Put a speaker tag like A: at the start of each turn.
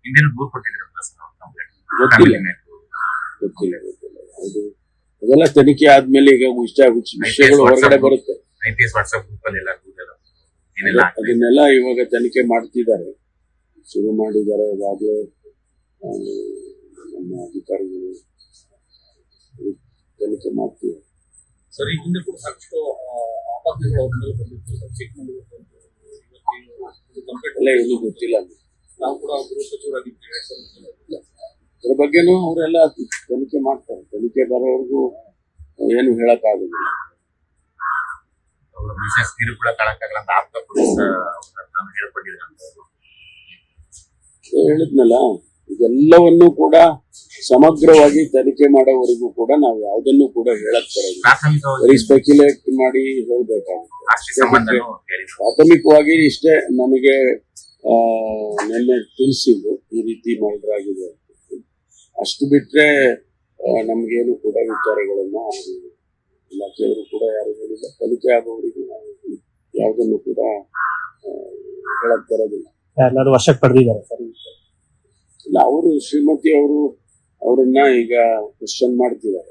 A: ಹಿಂದಿನ ದೂರು ಕೊಟ್ಟಿದ್ರಲ್ಲ ಸರ್
B: ಗೊತ್ತಿಲ್ಲ ಗೊತ್ತಿಲ್ಲ ಗೊತ್ತಿಲ್ಲ ಅದು ಅದೆಲ್ಲ ತನಿಖೆ ಆದ್ಮೇಲೆ ಈಗ ವಿಷಯಗಳು ಹೊರಗಡೆ ಬರುತ್ತೆ.
A: IPS ವಾಟ್ಸ್ಆಪ್ ಗ್ರೂಪ್ ಅಲ್ಲಿ
B: ಅದನ್ನೆಲ್ಲ ಇವಾಗ ತನಿಖೆ ಮಾಡ್ತಿದ್ದಾರೆ, ಶುರು ಮಾಡಿದ್ದಾರೆ ಈಗಾಗಲೇ ನಮ್ಮ ಅಧಿಕಾರಿಗಳು ತನಿಖೆ ಮಾಡ್ತಿದ್ದಾರೆ.
C: ಸರಿ, ಹಿಂದೆ ಕೂಡ ಸಾಕಷ್ಟು ಆಪಾದನೆಗಳು ಅವ್ರ ಮೇಲೆ ಬಂದಿತ್ತು ಸರ್, ಚಿಕ್ಕಮಗಳೂರು
B: ಎಲ್ಲ ಏನು ಗೊತ್ತಿಲ್ಲ.
C: ನಾವು ಕೂಡ ಗೃಹ ಸಚಿವರಾಗಿದ್ದೀವಿ.
B: ಅದ್ರ ಬಗ್ಗೆನೂ ಅವರೆಲ್ಲ ತನಿಖೆ ಮಾಡ್ತಾರೆ. ತನಿಖೆ ಬರೋವರೆಗೂ ಏನು ಹೇಳಕ್ಕಾಗುದಿಲ್ಲ.
A: ಮಿಸಸ್ ಕಿರುಕುಳ ತಳಕಾಗಲ್ಲ ಅಂತ ಆಪ್ತ ಪೊಲೀಸ್
B: ಹೇಳಿದ್ನಲ್ಲ, ಇದೆಲ್ಲವನ್ನೂ ಕೂಡ ಸಮಗ್ರವಾಗಿ ತನಿಖೆ ಮಾಡೋವರೆಗೂ ಕೂಡ ನಾವು ಯಾವುದನ್ನು ಕೂಡ ಹೇಳಕ್ ಬರೋದಿಲ್ಲ. ಬರೀ ಸ್ಪೆಕ್ಯುಲೇಟ್ ಮಾಡಿ ಹೇಳ್ಬೇಕಾಗುತ್ತೆ. ಪ್ರಾಥಮಿಕವಾಗಿ ಇಷ್ಟೇ ನನಗೆ ನಿನ್ನೆ ತಿಳಿಸಿದ್ದು ಈ ರೀತಿ ಮರ್ಡರ್ ಆಗಿದೆ. ಅಷ್ಟು ಬಿಟ್ರೆ ನಮ್ಗೇನು ಕೂಡ ವಿಚಾರಗಳನ್ನ ಇಲಾಖೆಯವರು ಕೂಡ ಯಾರು ಹೇಳಿಲ್ಲ. ತನಿಖೆ ಆಗುವವರೆಗೂ ನಾವು ಯಾವುದನ್ನು ಕೂಡ ಹೇಳಕ್ ಬರೋದಿಲ್ಲ.
D: ಎಲ್ಲರೂ ವಶಕ್ಕೆ ಪಡೆದಿದ್ದಾರೆ ಸರ್.
B: ಇಲ್ಲ, ಅವರು ಶ್ರೀಮತಿ ಅವರು ಅವರನ್ನ ಈಗ ಕ್ವಶನ್ ಮಾಡ್ತಿದ್ದಾರೆ.